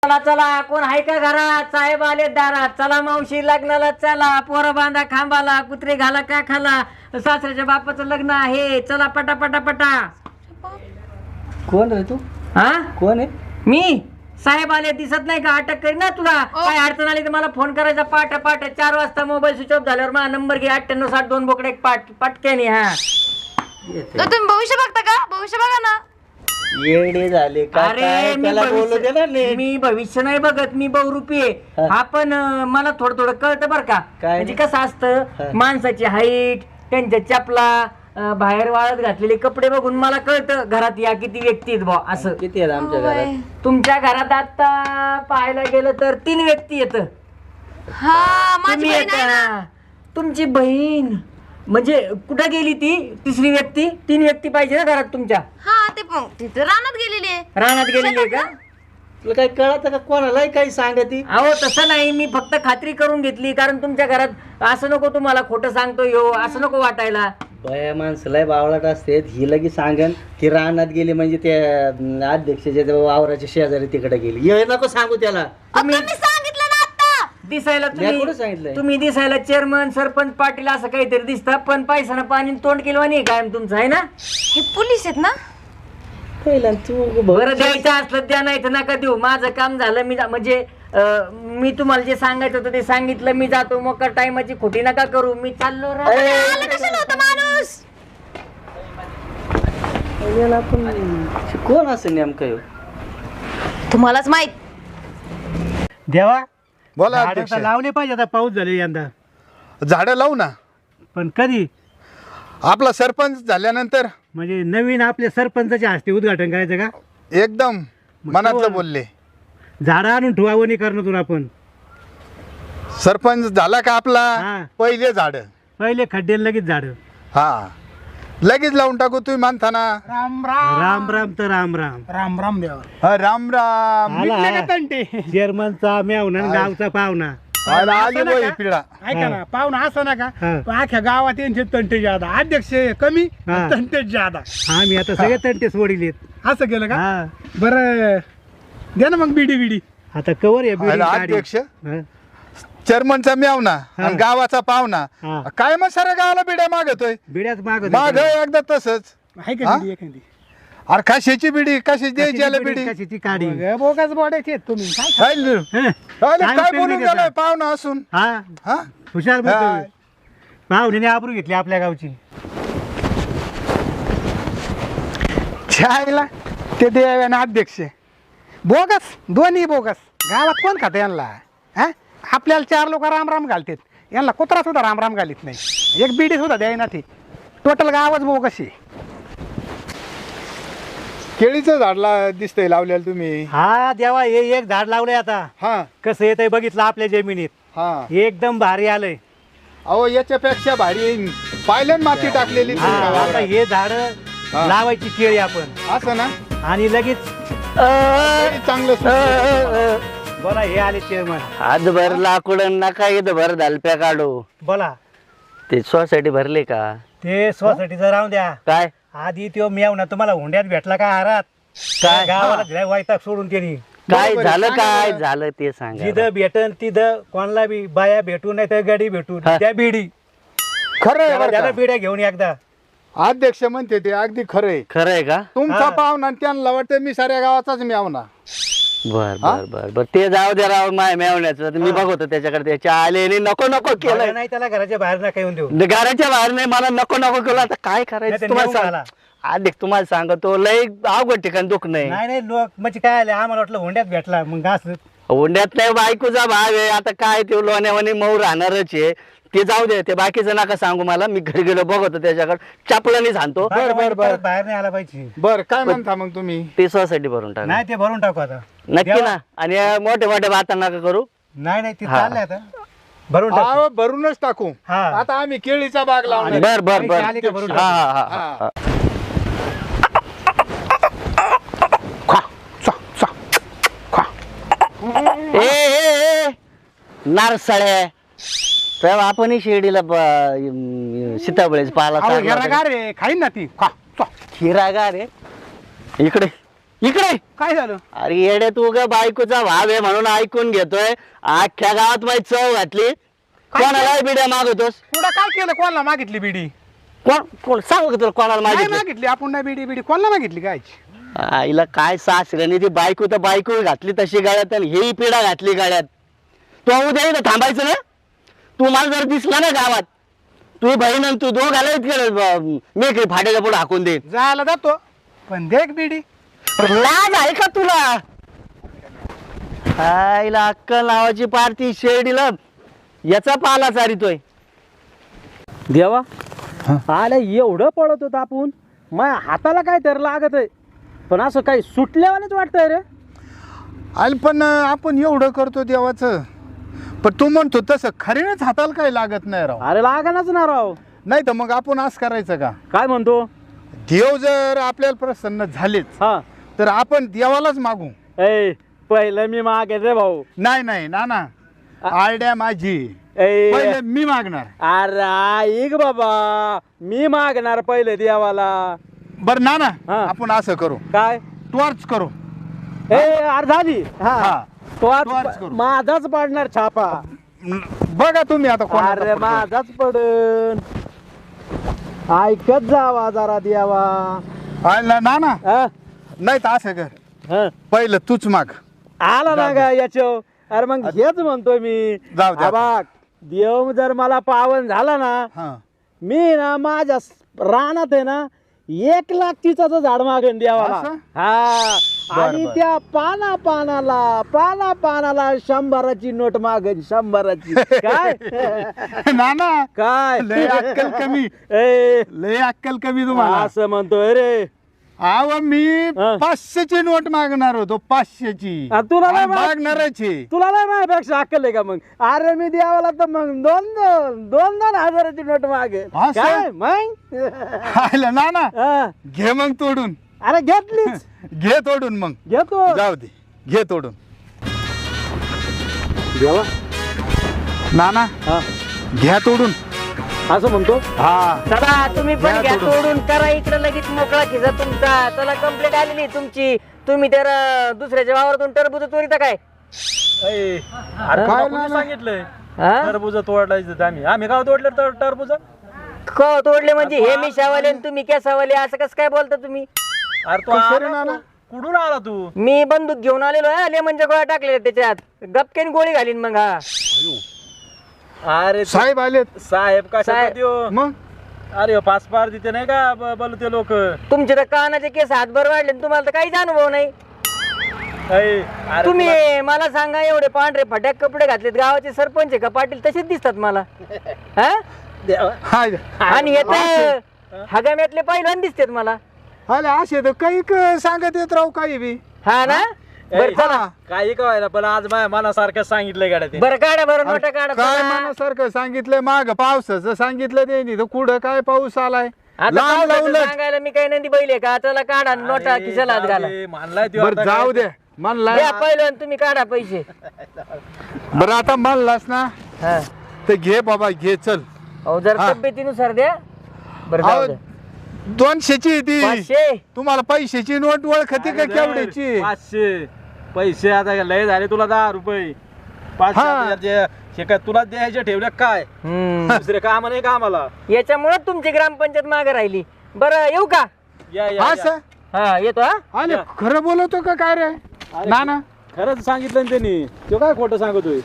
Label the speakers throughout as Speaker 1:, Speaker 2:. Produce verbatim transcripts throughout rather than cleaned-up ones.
Speaker 1: चला चला, कोण आहे का घरात? साहेब आले दारात. चला मावशी लग्नाला चला, पोरं बांधा खांबाला, कुत्रे घाला का खाला, सासऱ्याच्या बापाचं लग्न आहे, चला पटा पटा पटा.
Speaker 2: कोण रे तू?
Speaker 1: हा
Speaker 2: कोण आहे?
Speaker 1: मी साहेब आले, दिसत नाही का? अटक करी ना तुला. काय अडचण आली तर मला फोन करायचा पाठ पाठ. चार वाजता मोबाईल स्विच ऑफ झाल्यावर मला नंबर घे, अठ्ठ्याण्णव साठ दोन बोकडे एक पाठ पटक्याने. हा
Speaker 3: तुम्ही भविष्य बघता का? भविष्य बघा ना.
Speaker 2: येडे झाले का?
Speaker 1: अरे मी
Speaker 2: त्याला बोलू दे ना
Speaker 1: भविष्य
Speaker 2: नीट.
Speaker 1: मी भविष्य नाही बघत, मी बहुरूपी आहे.
Speaker 2: हा.
Speaker 1: हा पण अं, मला थोडं थोडं कळतं बरं का.
Speaker 2: काय?
Speaker 1: म्हणजे कसं असतं,
Speaker 2: हा.
Speaker 1: माणसाची हाईट, त्यांच्या चपला, अं, बाहेर वाळत घातलेले कपडे बघून मला कळतं घरात या किती व्यक्ती आहेत बा. असं
Speaker 2: किती आहेत आमच्या घरात?
Speaker 1: तुमच्या घरात आता पाहायला गेलं तर तीन व्यक्ती येत.
Speaker 3: हा माझी
Speaker 1: तुम्ही
Speaker 3: बहीण आहे ना.
Speaker 1: येता, तुमची बहीण, म्हणजे कुठं गेली ती तिसरी व्यक्ती? तीन व्यक्ती पाहिजे ना घरात तुमच्या.
Speaker 3: हा ते पण तिथे रानात गेलेली आहे.
Speaker 1: रानात गेलेली आहे का?
Speaker 2: तुला काही कळत का? कोणालाही काही सांगती?
Speaker 1: अहो तसं नाही, मी फक्त खात्री करून घेतली, कारण तुमच्या घरात असं नको तुम्हाला खोटं सांगतो यो, असं नको वाटायला.
Speaker 2: बया माणसाला बावळाट असते. ही लगी सांगन की रानात गेली म्हणजे त्या अध्यक्षाच्या त्या वावराच्या शेजारी तिकडे गेली. हे नको सांगू त्याला.
Speaker 1: तुम्ही
Speaker 3: तुम्ही सांगितलं ना आता.
Speaker 1: दिसायला
Speaker 2: मी कुठं
Speaker 1: तुम्ही
Speaker 2: सांगितलंय?
Speaker 1: तुम्ही दिसायला चेअरमन सरपंच पाटील असं काहीतरी दिसतं, पण पैसा पाणी तोंड केलं नाही कायम तुमचं, आहे ना?
Speaker 3: हे पोलीस आहेत ना.
Speaker 2: पहिला तू
Speaker 1: बरं द्यायचं असलं द्या, नाही तर नका देऊ. माझं काम झालं, मी जा- म्हणजे अं, मी तुम्हाला जे सांगायचं होतं ते सांगितलं. मी जातो, मग टायमाची खोटी नका करू, मी चाललो रा-
Speaker 3: आलं कशाला होतं माणूस?
Speaker 2: याला पण कोण असं नेमकं ह्यो?
Speaker 3: तुम्हालाच माहित.
Speaker 4: देवा
Speaker 5: बोला
Speaker 4: झाडं
Speaker 5: अध्यक्ष.
Speaker 4: तर लावले पाहिजे. आता पाऊस झाले यंदा,
Speaker 5: झाडं लावू ना.
Speaker 4: पण कधी?
Speaker 5: आपला सरपंच झाल्यानंतर
Speaker 4: म्हणजे नवीन आपल्या सरपंचाच्या हस्ते उद्घाटन करायचं का?
Speaker 5: एकदम मनातलं बोलले.
Speaker 4: झाडं आणून ठेवावं नाही करणं तुला. पण
Speaker 5: सरपंच झाला का आपला
Speaker 4: हा.
Speaker 5: पहिले झाड
Speaker 4: पहिले खड्डे लगेच झाडं.
Speaker 5: हा लगेच लावून टाकू. तुम्ही मानता ना.
Speaker 6: राम राम
Speaker 4: राम राम तर राम राम.
Speaker 6: राम राम देवा.
Speaker 5: हा, राम राम.
Speaker 4: आला
Speaker 6: तंटे
Speaker 4: चेअरमनचा मेवना आणि गावचा पाहुणा.
Speaker 5: आला, आली
Speaker 6: असं
Speaker 5: बाई
Speaker 6: नका.
Speaker 5: पिढा.
Speaker 6: ऐका ना, पाहुणा असं नका.
Speaker 4: हा.
Speaker 6: पण अख्ख्या गावात यांचे तंटे जादा, अध्यक्ष कमी
Speaker 4: हा.
Speaker 6: तंटे जादा.
Speaker 4: हा मी आता सगळे तंटे सोडिलेत.
Speaker 6: असं केलं का?
Speaker 4: हा
Speaker 6: बरं द्या ना मग बिडी बिडी.
Speaker 4: आता कवर आहे बिल्डिंग
Speaker 5: आला
Speaker 4: गाडी.
Speaker 5: अध्यक्ष,
Speaker 4: हा.
Speaker 5: चेअरमनचा मेवना
Speaker 4: हा.
Speaker 5: आणि गावाचा पाहुणा.
Speaker 4: हा.
Speaker 5: काय मग साऱ्या गावाला बिड्या मागतोय.
Speaker 4: बिड्याच माग
Speaker 5: माग एकदा तसंच.
Speaker 6: आहे का
Speaker 5: हा?
Speaker 6: बिडी एखादी?
Speaker 5: अरे कशाची बिडी, कशी द्यायची याला बिडी.
Speaker 4: कशाची काढी.
Speaker 6: बघ, बोगस बोडायचे आहेत तुम्ही. काय
Speaker 5: काय ल-
Speaker 4: हं.
Speaker 5: अरे
Speaker 4: काय
Speaker 5: काय
Speaker 4: उपयोग
Speaker 5: बोलून
Speaker 4: नाही त्याचा.
Speaker 5: गेलाय पाहुणा असून.
Speaker 4: हा
Speaker 5: हा
Speaker 4: हुशार
Speaker 5: हा.
Speaker 4: बोलतोय. पाहुण्याने आबरू घेतली आपल्या गावची.
Speaker 6: छायला ते देवाना अध्यक्ष बोगस, दोन्ही बोगस. गावात कोण खात यांना? हा? आपल्याला चार लोक राम राम घालतात, यांना कुत्रा सुद्धा राम राम घालीत नाही. एक बिडी सुद्धा द्याय ना. ती टोटल गावच बोगस आहे.
Speaker 5: केळीचं झाडला दिसतंय लावलेलं तुम्ही.
Speaker 4: हा देवा हे एक झाड लावलंय. आता
Speaker 5: हा
Speaker 4: कसं येतंय बघितलं आपल्या जमिनीत.
Speaker 5: हा
Speaker 4: एकदम भारी आलंय.
Speaker 5: अहो याच्यापेक्षा भारी पायलन माती टाकलेली
Speaker 4: हा,
Speaker 5: तुमच्या
Speaker 4: आता
Speaker 5: वावरात.
Speaker 4: हे झाड
Speaker 5: हा.
Speaker 4: लावायची केळी आपण
Speaker 5: असं ना.
Speaker 4: आणि लगेच
Speaker 5: तरी चांगलं सुचलं.
Speaker 4: बोला हे आले चेअरमन.
Speaker 2: हातभर लाकूड नका इथं भर दालप्या काढू.
Speaker 4: बोला
Speaker 2: ते सोसायटी भरले का?
Speaker 4: ते सोसायटीचं राहून द्या.
Speaker 2: काय
Speaker 4: आधी तो मेव ना तुम्हाला हुंड्यात भेटला का आरात?
Speaker 2: काय?
Speaker 4: गावाला दिलाय वैताग सोडून त्यांनी.
Speaker 2: काय
Speaker 5: बरोबर आहे,
Speaker 2: झालं?
Speaker 5: सांगा
Speaker 2: काय
Speaker 5: बरं.
Speaker 2: झालं ते सांगा.
Speaker 4: जिथं भेटन तिथं कोणाला बी बाया भेटून नाही तर गाडी भेटून
Speaker 2: हा.
Speaker 4: त्या बिडी
Speaker 5: खरं आहे
Speaker 4: त्याला
Speaker 5: बरं
Speaker 4: त्याला
Speaker 5: का?
Speaker 4: बिड्या घेऊन एकदा.
Speaker 5: अध्यक्ष म्हणते ते अगदी खरं आहे.
Speaker 2: खरं आहे का?
Speaker 5: तुमचा
Speaker 4: हा.
Speaker 5: पाहुणा आणि त्यांना वाटतं मी साऱ्या गावाचाच म्यावना.
Speaker 2: बर बर बर बर ते जाऊ दे राव माय मेवण्याचं. मी बघतो त्याच्याकडे. त्याच्या आले नको नको
Speaker 4: बघा
Speaker 2: केलं.
Speaker 4: नाही त्याला घराच्या बाहेर नका येऊन देऊ.
Speaker 2: घराच्या बाहेर नाही, मला नको नको केलं. आता काय
Speaker 4: नाही
Speaker 2: करायचं
Speaker 4: तर
Speaker 2: तुम्हाला
Speaker 4: नेऊन
Speaker 2: सांग.
Speaker 4: घाला.
Speaker 2: आधी तुम्हाला सांगतो लय अवघड ठिकाण दुख नाही.
Speaker 4: नाही नाही लोक म्हणजे काय आले आम्हाला वाटलं हुंड्यात भेटला मग असं.
Speaker 2: हुंड्यात नाही, बायकोचा भाग आहे. आता काय ते लोण्यावानी मऊ राहणारच आहे. ते जाऊ दे, ते बाकीचं नका सांगू मला. मी घरी गेलो बघतो त्याच्याकडे चपलानी सांगतो.
Speaker 5: बर, बर, बर.
Speaker 4: परत बाहेर नाही आला पाहिजे.
Speaker 5: बर काय म्हणता मग तुम्ही?
Speaker 2: ती सोसायटी भरून टाक.
Speaker 4: नाही ते भरून टाकू आता.
Speaker 2: नक्की
Speaker 4: देवा.
Speaker 2: ना. आणि या मोठे मोठे बाता नका करू.
Speaker 4: नाही नाही ते
Speaker 2: हा.
Speaker 4: चाललंय आता भरून टाकू.
Speaker 5: अहो, भरूनच टाकू.
Speaker 4: हा.
Speaker 5: आता आम्ही केळीचा बाग लावणार.
Speaker 2: बर बर बर.
Speaker 4: आली का भरून
Speaker 2: हा
Speaker 4: टाकू.
Speaker 2: हा हा
Speaker 5: हा.
Speaker 2: हा. ए ए, ए नारसाळ्या तेव्हा आपण शिर्डीला सीताबळेच पाला
Speaker 6: अहो,
Speaker 2: चालला
Speaker 6: हेरागार आहे, खाईन ना ती. खा, चा.
Speaker 2: हिरागार रे इकडे इकडे
Speaker 6: काय झालं?
Speaker 2: अरे येडे तू ग बायकोचा भाव आहे म्हणून ऐकून घेतोय. अख्ख्या गावात माझी चव घातली. कोणाला बिड्या मागवतोस?
Speaker 6: पुढं काय केलं? कोणाला मागितली बिडी?
Speaker 2: कोण कोण सांग का तुला कोणाला
Speaker 6: नाही
Speaker 2: मागितली?
Speaker 6: मागितली आपण, नाही बिडी बिडी कोणाला मागितली काय?
Speaker 2: आईला काय सासऱ्याने ती बायको तर बायको घातली तशी गाड्यात आणि ही पिढा घातली गाड्यात. तू उद्या इथं थांबायचं ना. तू मला जर दिसला ना गावात, तू बहीण आणि तू दोघाला इतके मेकळी फाट्याच्या पुढे हाकून दे.
Speaker 6: जायला जातो पण देख बिडी.
Speaker 2: लाज आहे का तुला? आईला अक्कल नावाची पार्टी शेरडीला याचा पाला चारितोय.
Speaker 4: देवा आला एवढं पळत होत आपण, माझ्या हाताला काय तर लागत आहे, पण असं काही सुटल्यावानेच वाटतंय रे.
Speaker 5: आणि पण आपण एवढं करतो देवाचं, पण तू म्हणतो तसं खरीनेच हाताला काही लागत नाही राव.
Speaker 4: अरे लागणारच ना राव.
Speaker 5: नाही तर मग आपण असं करायचं का,
Speaker 4: काय म्हणतो?
Speaker 5: देव जर आपल्याला प्रसन्न झालेच
Speaker 4: हा
Speaker 5: तर आपण देवालाच मागू.
Speaker 4: ए पहिलं मी मागेल रे भाऊ.
Speaker 5: नाही नाही ना ना आयडिया माझी,
Speaker 4: ए
Speaker 5: पहिले मी मागणार.
Speaker 4: अरे ऐक बाबा, मी मागणार पहिले देवाला.
Speaker 5: बर ना ना
Speaker 4: हा.
Speaker 5: आपण असं करू,
Speaker 4: काय?
Speaker 5: टॉर्च करू.
Speaker 4: ए अरे झाली. हा
Speaker 5: हा.
Speaker 4: तो आज
Speaker 5: टॉर्च करू.
Speaker 4: माझाच पडणार छापा.
Speaker 5: बघा तुम्ही आता कोणाचा
Speaker 4: अरे
Speaker 5: पडतो.
Speaker 4: माझाच पडन. ऐकत जावा जरा देवा.
Speaker 5: आला ना ना
Speaker 4: हा?
Speaker 5: नाही तर असं कर,
Speaker 4: हा.
Speaker 5: पहिलं तूच माग.
Speaker 4: आला ना का याच्या? अरे मग हेच म्हणतोय मी.
Speaker 5: जाऊ दे.
Speaker 4: हा बघ, देव जर मला पावन झाला ना,
Speaker 5: हा
Speaker 4: मी ना माझ्या स- रानात आहे ना एक लाख चिचाचं झाड मागेन देवाला.
Speaker 5: असं?
Speaker 4: हा.
Speaker 5: बरं,
Speaker 4: आणि
Speaker 5: बरं.
Speaker 4: त्या पाना पानाला पाना पानाला शंभराची नोट मागेन, शंभराची. काय
Speaker 5: ना ना
Speaker 4: काय
Speaker 5: लय अक्कल कमी,
Speaker 4: ए
Speaker 5: लय अक्कल कमी तुम्हाला.
Speaker 4: असं म्हणतोय रे.
Speaker 5: अहो मी
Speaker 4: हा.
Speaker 5: पाचशेची नोट मागणार होतो, पाचशेची.
Speaker 4: आ, तुला नाही माग-
Speaker 5: मागणारच आहे.
Speaker 4: तुला नाही माझ्यापेक्षा अक्कल आहे का मग? अरे मी देवाला तर मग दोन दोन दोन दोन हजाराची नोट मागे.
Speaker 5: असं?
Speaker 4: काय मग?
Speaker 5: आलं ना ना
Speaker 4: हा.
Speaker 5: घे मग तोडून,
Speaker 4: अरे घेतलीच.
Speaker 5: घे तोडून मग.
Speaker 4: घेतो.
Speaker 5: जाऊ दे, घे तोडून.
Speaker 4: देवा.
Speaker 5: ना ना
Speaker 4: हा.
Speaker 5: घ्या तोडून.
Speaker 4: असं म्हणतो.
Speaker 5: हा
Speaker 1: चला तुम्ही पण
Speaker 5: घ्या
Speaker 1: घ्या
Speaker 5: तोडून.
Speaker 1: तोडून, करा इकडे लगेच मोकळा खिसा तुमचा. चला कंप्लेंट आलेली तुमची. तुम्ही तर अं, दुसऱ्याच्या वावरातून टरबूज चोरीता काय?
Speaker 4: अरे
Speaker 5: काय
Speaker 4: तुला
Speaker 5: ना
Speaker 4: कोणी
Speaker 5: ना?
Speaker 4: सांगितलंय
Speaker 1: हा?
Speaker 4: टरबूज तोडायचं? आम्ही आम्ही गाव तोडले तर टरबूज.
Speaker 1: क तोडले म्हणजे हे मी शावाले आणि तुम्ही केसावाले, असं कसं काय बोलता तुम्ही?
Speaker 4: अरे तू
Speaker 5: कशाला
Speaker 4: आला
Speaker 5: ना?
Speaker 4: तू? कुठून आला तू?
Speaker 1: मी बंदूक घेऊन आलेलो आहे, लेमनच्या गोळ्या टाकलेल्या त्याच्यात, गपकेन गोळी घालीन मग. हा
Speaker 4: अरे
Speaker 5: साहेब आलेत
Speaker 4: साहेब कशा
Speaker 1: साहेब.
Speaker 4: देऊ?
Speaker 5: मग.
Speaker 4: अरे पाच पार देते नाही का ब- बोलू ते लोक.
Speaker 1: तुमचे तर कानाचे केस हातभर वाढले आणि तुम्हाला तर काहीच अनुभव नाही. तुम्ही मला सांगा, एवढे पांढरे फटाक कपडे घातलेत, गावाचे सरपंच आहे का पाटील तसेच दिसतात मला. हा?
Speaker 5: हाय
Speaker 1: आणि हे तर हगाम्यातले पहिलवान दिसतात मला.
Speaker 5: आले असे तर काही क- सांगत येत राहू काही बी.
Speaker 1: हा ना? बरं चला,
Speaker 4: काही काय पण आज माझ्या मनासारखं सांगितलंय गाड्या ते.
Speaker 1: बरं काढा, बरं नोटा काढा.
Speaker 5: काय
Speaker 1: चला.
Speaker 5: मनासारखं सांगितलंय, माग पावसाचं सांगितलं ते तर कुठं काय पाऊस आलाय.
Speaker 1: आता
Speaker 5: लांब
Speaker 1: पावसाचं
Speaker 5: लावलं.
Speaker 1: सांगायला मी काही नंदी बैल आहे का? चला काढा नोटा खिशाला हात घाला.
Speaker 4: मानलाय त्यो
Speaker 5: बर
Speaker 4: आता
Speaker 5: जाऊ
Speaker 4: काय.
Speaker 5: दे म्हणलाय.
Speaker 1: द्या पहिलवान, तुम्ही काढा पैसे.
Speaker 5: बरं आता म्हणलास ना
Speaker 1: हा.
Speaker 5: तर घे बाबा, घे चल.
Speaker 1: अहो जर
Speaker 5: हा.
Speaker 1: तब्येतीनुसार द्या. बरं जाऊ
Speaker 5: अहो,
Speaker 1: द्या.
Speaker 5: दोनशेची ती
Speaker 1: पाचशे.
Speaker 5: तुम्हाला पैशाची नोट ओळखते का
Speaker 4: अरे
Speaker 5: केवढ्याची?
Speaker 4: पाचशे पैसे आता लय झाले तुला दहा रुपये. पाचशे
Speaker 5: हा.
Speaker 4: आता जे- हे काय तुला द्यायचे ठेवल्या काय?
Speaker 1: हम्म.
Speaker 4: दुसरे काम नाही का आम्हाला?
Speaker 1: याच्यामुळे तुमची ग्रामपंचायत मागे राहिली. बरं येऊ का?
Speaker 4: या या, या.
Speaker 5: असं
Speaker 1: हा येतो. हा
Speaker 5: आले खरं बोलवतो का काय रे? ना ना
Speaker 4: खरंच सांगितलं ना त्यांनी. तो काय खोटं सांगतोय?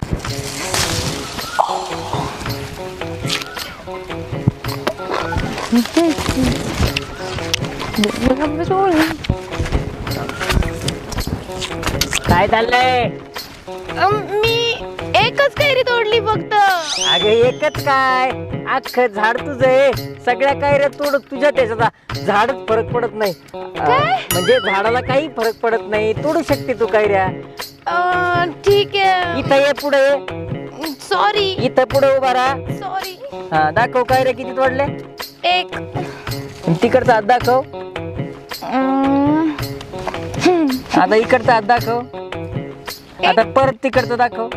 Speaker 1: काय चाललंय?
Speaker 3: अम, मी एकच कैरी तोडली फक्त.
Speaker 1: अगं एकच काय, अख्खं झाड तुझं आहे. सगळ्या कायऱ्या तोड तुझ्या त्याच्यात झाडच फरक पडत नाही. अं, म्हणजे झाडाला काही फरक पडत नाही, तोडू शकते तू कायऱ्या.
Speaker 3: अं, ठीक आहे.
Speaker 1: इथं ये, पुढे ये.
Speaker 3: सॉरी
Speaker 1: इथं पुढे उभा राहा.
Speaker 3: सॉरी.
Speaker 1: हा दाखव कायऱ्या किती तोडल्या.
Speaker 3: एक
Speaker 1: तिकडचा हात दाखव.
Speaker 3: अं,
Speaker 1: आता इकडचा हात दाखव. आता परत तिकडचं दाखव.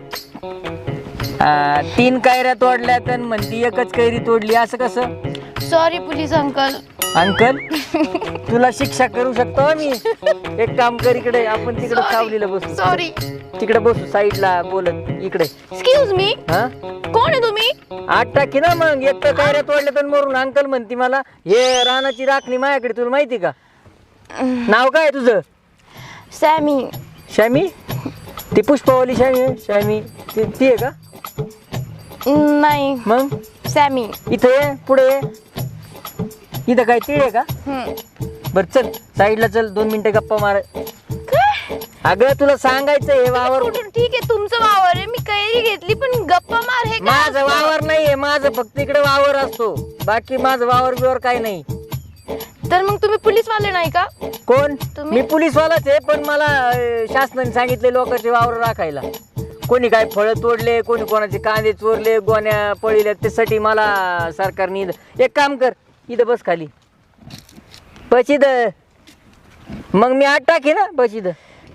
Speaker 1: हा, तीन कायऱ्या तोडल्या तर म्हणती एकच कैरी तोडली, असं कसं?
Speaker 3: Sorry police uncle.
Speaker 1: अंकल तुला शिक्षा करू शकतो आम्ही. एक काम कर, इकडे आपण तिकडे सावलीला बसू.
Speaker 3: सॉरी.
Speaker 1: तिकडे बसू साईडला बोलत. इकडे
Speaker 3: एक्सक्यूज मी.
Speaker 1: हा
Speaker 3: कोण आहे तुम्ही?
Speaker 1: आठ टाकी ना मग. एक तर कायऱ्या तोडल्या तर मरून अंकल म्हणती मला. हे रानाची राखणी माझ्याकडे, तुला माहिती का? नाव काय आहे तुझं?
Speaker 3: सॅमी.
Speaker 1: शॅमी? ती पुष्पावली शॅमी आहे? शॅमी ती ती आहे का?
Speaker 3: नाही,
Speaker 1: मग
Speaker 3: सॅमी.
Speaker 1: इथं ये, पुढे ये. इथं काय तीळ आहे का?
Speaker 3: हम्म.
Speaker 1: बर चल साईडला चल, दोन मिनिटं गप्पा मार.
Speaker 3: काय?
Speaker 1: अगं तुला सांगायचं हे वावर
Speaker 3: कुठून? ठीक आहे तुमचं वावर आहे, मी कैरी घेतली, पण गप्पा मार हे काय
Speaker 1: माझं
Speaker 3: असतं?
Speaker 1: वावर नाहीये. माझं फक्त इकडे वावर असतो, बाकी माझं वावर बिवर काही नाही.
Speaker 3: तर मग तुम्ही पोलीस वाले नाही का?
Speaker 1: कोण?
Speaker 3: तुम्ही?
Speaker 1: मी पोलीसवालाच आहे, पण मला अं, शासनाने सांगितले लोकांचे वावर राखायला. कोणी काय फळं तोडले, कोणी कोणाचे कांदे चोरले, गोण्या पळिल्या, त्यासाठी मला सरकारने इथं- एक काम कर, इथं बस खाली. बस इथं. मग मी आठ टाकी ना, बस इथं.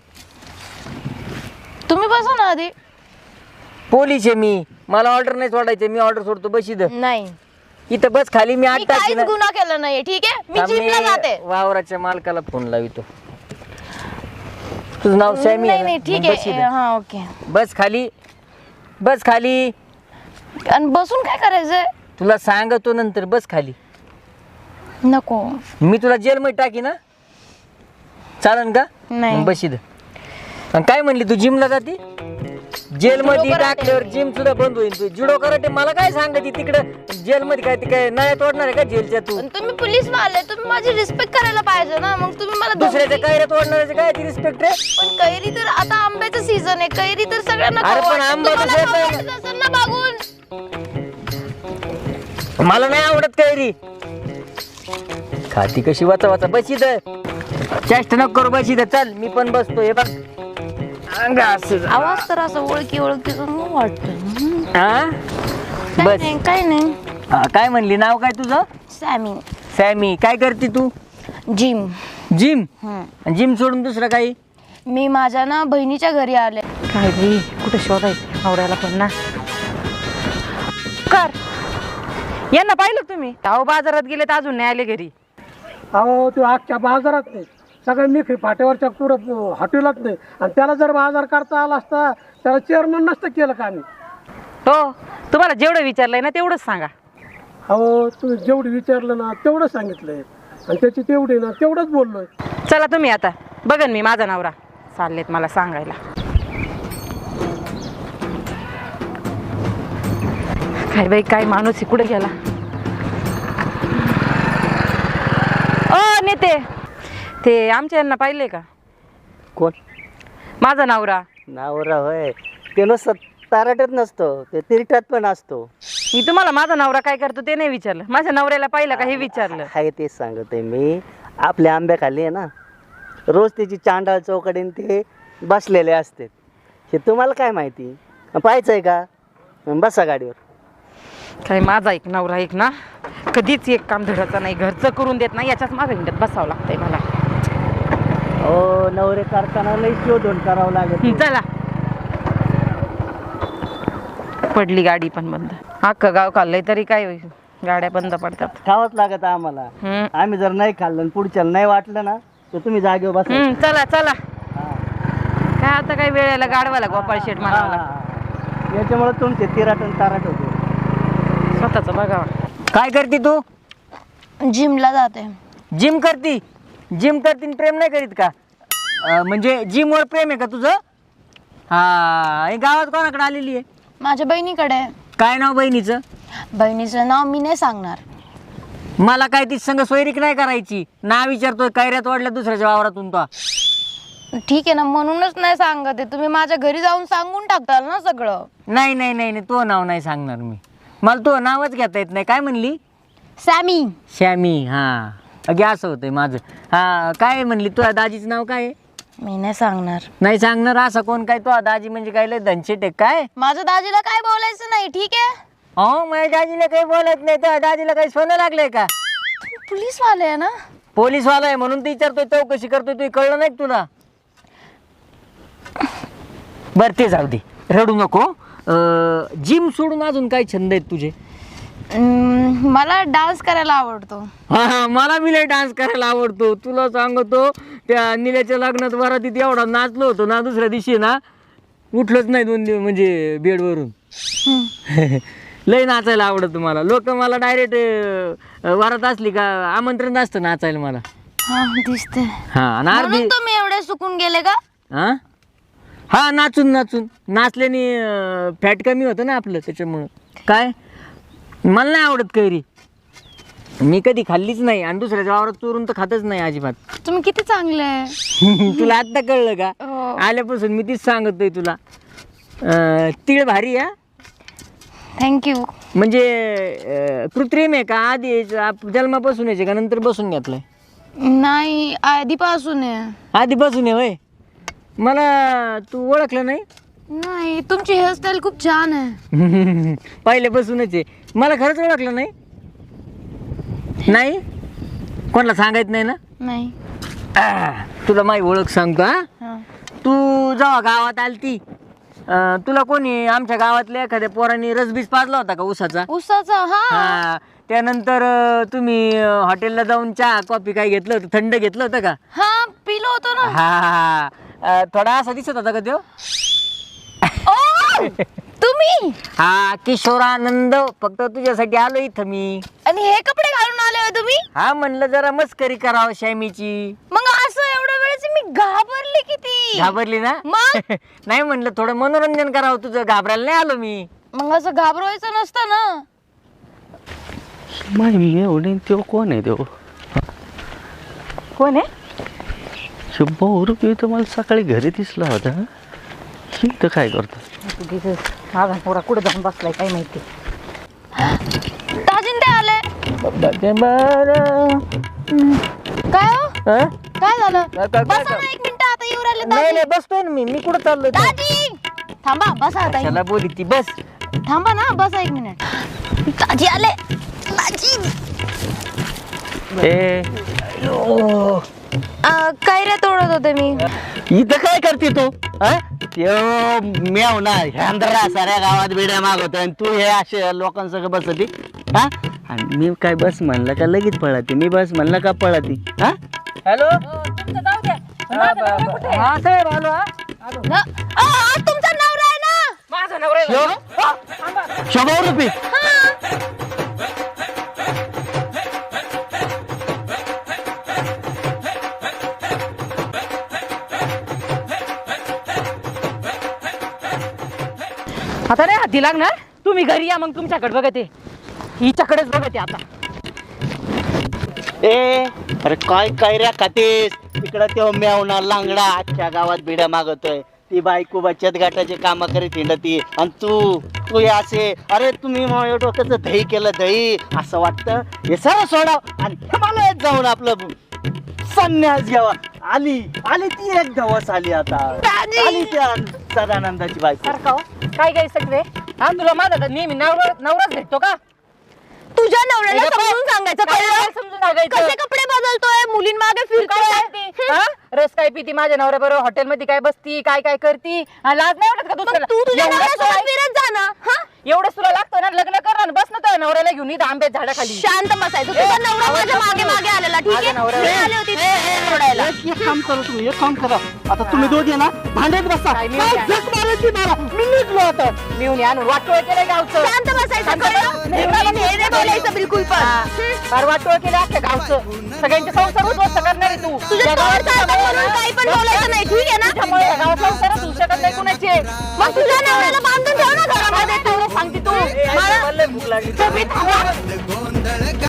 Speaker 3: तुम्ही बसा ना आधी.
Speaker 1: पोलीस आहे मी, मला ऑर्डर नाही सोडायचं, मी ऑर्डर सोडतो. बस इथं.
Speaker 3: नाही,
Speaker 1: इथं बस खाली. मी
Speaker 3: मी
Speaker 1: आठ टाकी
Speaker 3: काहीच
Speaker 1: ना.
Speaker 3: गुन्हा केला नाहीये. ठीक आहे, मी
Speaker 1: थांब,
Speaker 3: जिमला जाते.
Speaker 1: वावराच्या मालकाला फोन लावितो. तुझं नाव सॅमी
Speaker 3: नाही
Speaker 1: आहे
Speaker 3: नाही
Speaker 1: ना?
Speaker 3: ठीक
Speaker 1: मग बस
Speaker 3: आहे.
Speaker 1: इथं.
Speaker 3: हा ओके.
Speaker 1: बस खाली, बस खाली.
Speaker 3: आणि बसून काय करायचंय?
Speaker 1: तुला सांगतो नंतर, बस खाली.
Speaker 3: नको.
Speaker 1: मी तुला जेलमध्ये टाकी ना, चालन का?
Speaker 3: नाही.
Speaker 1: मग बस इथं. आणि काय म्हणली तू, जिमला जाती? जेलमध्ये
Speaker 3: जुडो कराटे.
Speaker 1: टाकल्यावर जिम सुद्धा बंद होईल. तू जुडो कराटे मला काय सांगते तिकडं जेलमध्ये? काय ते काय नळ्या तोडणार आहे का जेलच्या तू?
Speaker 3: पण तुम्ही पोलीस वाले, तुम्ही माझी रिस्पेक्ट करायला पाहिजे ना. मग तुम्ही मला
Speaker 1: दुसऱ्याच्या
Speaker 3: धमकी-
Speaker 1: काय तोडणाऱ्याचे काय ती रिस्पेक्ट रे?
Speaker 3: पण कैरी तर आता आंब्याचं सीझन आहे. कैरी तर सगळ्यांना
Speaker 1: अरे
Speaker 3: खाऊ
Speaker 1: पण
Speaker 3: वाटतं.
Speaker 1: आंबा
Speaker 3: तुम्हाला
Speaker 1: कसं
Speaker 3: खाऊ
Speaker 1: येतोय?
Speaker 3: वाटत असेल ना मागून.
Speaker 1: मला नाही आवडत कैरी. खाती कशी वाचा वाचा. बस इथं. चेष्ट नको करू, बस इथं. चल मी पण बसतो. हे बघ अंग असं.
Speaker 3: आवाज तर असं ओळखी ओळखी वाटतं.
Speaker 1: हा
Speaker 3: काय
Speaker 1: बस.
Speaker 3: नाही काय नाही.
Speaker 1: हा, काय म्हणली? नाव काय तुझं?
Speaker 3: सॅमी.
Speaker 1: सॅमी. काय करते तू?
Speaker 3: जिम.
Speaker 1: जिम?
Speaker 3: हम्म.
Speaker 1: जिम सोडून दुसरं काही?
Speaker 3: मी माझ्या ना बहिणीच्या घरी आले.
Speaker 7: काय बाई कुठे शोधायचं नवऱ्याला पण ना. कर यांना पाहिलं का तुम्ही? अहो बाजारात गेले तर अजून नाही आले घरी.
Speaker 6: अहो तो अख्ख्या बाजारात नाही, सगळ्या मी फाट्यावरच्या पुढं हॉटेलात नाही. आणि त्याला जर बाजार करता आला असता त्याला चेअरमन नसतं केलं का आम्ही.
Speaker 7: हो तुम्हाला जेवढं विचारलंय ना तेवढंच सांगा.
Speaker 6: अहो तुम्ही जेवढं विचारलं ना तेवढं सांगितलंय, आणि त्याची तेवढी ना तेवढंच बोललोय.
Speaker 7: चला तुम्ही आता बघन मी माझा नवरा. चाललेत मला सांगायला. काय बाई काय माणूस आहे, कुठे गेला? ओ नेते, ते आमच्या यांना पाहिले का?
Speaker 2: कोण?
Speaker 7: माझा नवरा.
Speaker 2: नावरा होय, ते नुसतं ताराट्यात नसतो, ते तिरट्यात पण असतो.
Speaker 7: मी तुम्हाला माझा नवरा काय करतो ते नाही विचारलं, माझ्या नवऱ्याला पाहिलं का हे विचारलं.
Speaker 2: हाय तेच सांगतोय मी. आपल्या आंब्याखाली आहे ना, रोज त्याची चांडाळ चौकडीन ते बसलेले असते. हे तुम्हाला काय माहिती? पाहायचं आहे का? बसा गाडीवर.
Speaker 7: काय माझा एक नवरा एक ना कधीच एक काम धडाचा नाही, घरचं करून देत नाही, याच्याच मागे हिंडत बसावं लागतंय मला.
Speaker 2: हो, नवरे करताना लई शोधून करावं लागेल.
Speaker 7: चला. पडली गाडी पण बंद. अख्खं गाव खाल्लंय तरी काय होईल, गाड्या बंद पडतात.
Speaker 2: खावंच लागत आम्हाला.
Speaker 7: हम्म.
Speaker 2: आम्ही जर नाही खाल्लं आणि पुढच्याला नाही वाटलं ना तर तुम्ही जागेवर बसा.
Speaker 7: हम्म, चला चला. काय आता काय वेळेला गाडवाला गोपाळ शेठ म्हणावं लागतं.
Speaker 2: हा. याच्यामुळे तुमचे तिराट आणि ताराट होते.
Speaker 7: स्वतःच बघावा.
Speaker 1: काय करते तू?
Speaker 3: जिमला जाते.
Speaker 1: जिम करती? जिम करती आणि प्रेम नाही करीत का? अं, म्हणजे जिमवर प्रेम आहे का तुझं? हा. हे गावात कोणाकडे आलेली आहे?
Speaker 3: माझ्या बहिणीकडे.
Speaker 1: काय नाव बहिणीचं?
Speaker 3: बहिणीचं नाव मी नाही सांगणार.
Speaker 1: मला काय ती संग सोयरीक नाही करायची. नाव विचारतोय, कैऱ्यात वाढल्या दुसऱ्याच्या वावरातून तो.
Speaker 3: ठीक आहे ना, म्हणूनच नाही सांगत आहे. तुम्ही माझ्या घरी जाऊन सांगून टाकताल ना सगळं.
Speaker 1: नाही नाही नाही नाही, तो नाव नाही सांगणार मी. मला तो नावच घेता येत नाही. काय म्हणली?
Speaker 3: सॅमी.
Speaker 1: श्यामी. हा अगे असं होतंय माझं. हा काय म्हणली? तुझ्या दाजीचं नाव काय आहे?
Speaker 3: मी नाही सांगणार.
Speaker 1: नाही सांगणार? असं कोण काय? तो दाजी म्हणजे काय लय धनशेट आहे काय?
Speaker 3: माझ्या दाजीला काय बोलायचं नाही. ठीक आहे.
Speaker 1: हो, माझ्या दाजीला काही बोलत नाही. त्या दाजीला काही सोनं लागलंय का?
Speaker 3: पोलीस वाले आहे ना.
Speaker 1: पोलीसवाला आहे म्हणून ती विचारतोय, चौकशी करतोय. तू कळलं नाही का तुला? बर ते जाऊ दे, रडू नको. जिम सोडून अजून काय छंद आहेत तुझे?
Speaker 3: हम्म, मला डान्स करायला आवडतो.
Speaker 1: हा हा मला बी लय डान्स करायला आवडतो. तुला सांगतो त्या निल्याच्या लग्नात वरातीत एवढा नाचलो होतो ना, दुसऱ्या दिवशी ना उठलोच नाही दोन दिवस म्हणजे बेडवरून. लय नाचायला आवडतं मला. लोक मला डायरेक्ट वरात असली का आमंत्रण असतं नाचायला मला.
Speaker 3: हा दिसते.
Speaker 1: हा आणि अर्धी
Speaker 3: म्हणून तुम्ही एवढे सुकून गेले का?
Speaker 1: हा हा नाचून नाचून नाचल्याने फॅट कमी होतं ना आपलं, त्याच्यामुळं. काय मला नाही आवडत कैरी, मी कधी खाल्लीच नाही आणि दुसऱ्याच्या वावरात चोरून तर खातच नाही अजिबात.
Speaker 3: तुम्ही किती चांगले आहे.
Speaker 1: तुला आत्ता कळलं का?
Speaker 3: हो.
Speaker 1: आल्यापासून मी तीच सांगतोय तुला. अं, तीळ भारी आहे
Speaker 3: थँक्यू.
Speaker 1: म्हणजे अं, कृत्रिम आहे का आधी आप- जन्मापासून यायचे का नंतर बसून घेतलंय?
Speaker 3: नाही आधीपासून आहे.
Speaker 1: आधीपासून आहे होय. मला तू ओळखलं नाही?
Speaker 3: नाही तुमची हेअरस्टाईल खूप छान आहे.
Speaker 1: पहिल्यापासूनच आहे. मला खरंच ओळखलं नाही? नाही कोणाला सांगायचं नाही ना?
Speaker 3: नाही.
Speaker 1: आह, तुला माझी ओळख सांगतो. हा
Speaker 3: हा.
Speaker 1: तू जेव्हा गावात आलती अं, तुला कोणी आमच्या गावातल्या एखाद्या पोरांनी रसबीज पाजला होता का उसाचा?
Speaker 3: उसाचा. हा
Speaker 1: हा त्यानंतर अं, तुम्ही अं, हॉटेलला जाऊन चहा कॉफी काय घेतलं होतं? थंड घेतलं होतं का?
Speaker 3: हा पिलो होतो ना.
Speaker 1: हा अं, थोडा असा दिसत होता का तो?
Speaker 3: ओ, तुम्ही
Speaker 1: हा किशोरानंद. फक्त तुझ्यासाठी आलो इथं मी.
Speaker 3: आणि हे कपडे घालून आले होय तुम्ही?
Speaker 1: हा म्हणलं जरा मस्करी करावं शॅमीची.
Speaker 3: मग असं एवढ्या वेळेस मी घाबरली किती.
Speaker 1: घाबरली ना?
Speaker 3: मग?
Speaker 1: नाही म्हणलं थोडं मनोरंजन करावं तुझं, घाबरायला नाही आलो मी.
Speaker 3: मग असं घाबरवायचं नसतं ना.
Speaker 2: माय मी एवढे तो कोण आहे तो?
Speaker 7: कोण आहे?
Speaker 2: भाऊ रुपये तर मला सकाळी घरी दिसला होता. ही तर काय करतो?
Speaker 7: माझा पोरा कुठं जाऊन बसलाय काय माहिती.
Speaker 3: ताजीन ते आले.
Speaker 1: बरं.
Speaker 3: काय हो
Speaker 1: हं?
Speaker 3: काय झालं?
Speaker 1: काय- काय-
Speaker 3: बसा
Speaker 1: काय-
Speaker 3: ना एक मिनिट, आता येऊ राहिले
Speaker 1: नाही
Speaker 3: दाजी.
Speaker 1: नाही बसतोय ना मी. मी कुठं चाललोय?
Speaker 3: दाजी थांबा, बसा आता.
Speaker 1: त्याला बोली ती बस.
Speaker 3: थांबा ना, बसा एक मिनिट. दाजी आले. दाजी
Speaker 2: ए
Speaker 3: अं, कैऱ्या तोडत होते मी.
Speaker 2: इथं काय करते तू? हा? त्यो म्याव ना ह्यांदरा साऱ्या गावात बिड्या मागवतोय आणि तू हे असे लोकांसगळं बसती. हा आणि मी काय बस म्हणलं का लगेच पळती? मी बस म्हणलं का पळती? हा
Speaker 1: हॅलो हा साहेब आलो. हा
Speaker 3: न- अ, अ, तुमचा नवरा आहे ना?
Speaker 7: माझा नवरा आहे म्हणून.
Speaker 2: शंभर रुपये.
Speaker 7: आता नाही हाती लागणार. तुम्ही घरी या मग तुमच्याकडे बघते, हिच्याकडेच बघते आता.
Speaker 2: ए अरे काय कैऱ्या खातेस? तिकडं त्यो म्यावना लांगडा अख्ख्या गावात बिड्या मागवतोय. ती बायको बचत गटाचे काम करीत हिंडती आणि तू तू हे असे. अरे तुम्ही माझ्या डोक्याचं दही केलं दही असं वाटतं. हे सर्व सोडाव आणि हिमालयात जाऊन आपलं संन्यास घ्यावा. आली आली ती एक दिवस आली आता. आली त्या सदानंदाची बायको.
Speaker 7: सारखा हो. काय काय सगळे हा तुला माझा तर नेहमी नवरा नवराच भेटतो का?
Speaker 3: तुझ्या नवऱ्याला
Speaker 7: हे बघ,
Speaker 3: समजून सांगायचं
Speaker 7: काय
Speaker 3: कळलं?
Speaker 7: काय समजून सांगायचं?
Speaker 3: कसे कपडे बदलतोय, मुलींमागे
Speaker 7: काय
Speaker 3: फिरतोय.
Speaker 7: करती? हा? रस काय पिती माझ्या नवऱ्या बरोबर हॉटेलमध्ये काय बसती काय काय करती हा, लाज नाही वाटत का
Speaker 3: मग
Speaker 7: दुसऱ्याला?
Speaker 3: तू तुझ्या
Speaker 7: एवढंच
Speaker 3: नवऱ्यासोबत
Speaker 7: तुला-
Speaker 3: फिरत जा ना. हा?
Speaker 7: एवढंच तुला लागतं ना लग्न कर ना, बस ना तुझ्या नवऱ्याला घेऊन इथं आंब्याच्या झाडाखाली.
Speaker 3: शांत बसायचं. तुझा नवरा माझ्या मागे मागे आलेला, ठीक आहे?
Speaker 7: माझ्या नवऱ्याला-
Speaker 3: मी आले होते इथे सोडायला.
Speaker 2: एक एक काम करा तुम्ही एक काम करा. आता तुम्ही दोघे ना भांडत बसा.
Speaker 7: काय मी-
Speaker 2: काय झक मारायची मारा. मी निघलो आता.
Speaker 7: मिळून आणून वाटोळ केलं गावचं.
Speaker 3: शांत बसायचं,
Speaker 7: शांत
Speaker 3: कळलं?
Speaker 7: बस.
Speaker 3: हे नाही, हे नाही बोलायचं बिलकुल पण.
Speaker 7: फार वाटोळ केलं अख्ख्या गावचं. सगळ्यांचे संसार उद्ध्वस्त करणार आहे तू.
Speaker 3: तुझ्या
Speaker 7: या गावात
Speaker 3: तोडचा होता म्हणून काही पण बोलायचं नाही, ठीक आहे ना?
Speaker 7: त्यामुळे या गावात संसारच होऊ शकत नाही कुणाचे.
Speaker 3: मग तुझ्या नवऱ्याला बांधून ठेव ना घरामध्ये.
Speaker 7: सांगते तू
Speaker 1: मला लय भूक लागली.
Speaker 7: तुम्ही थांबा.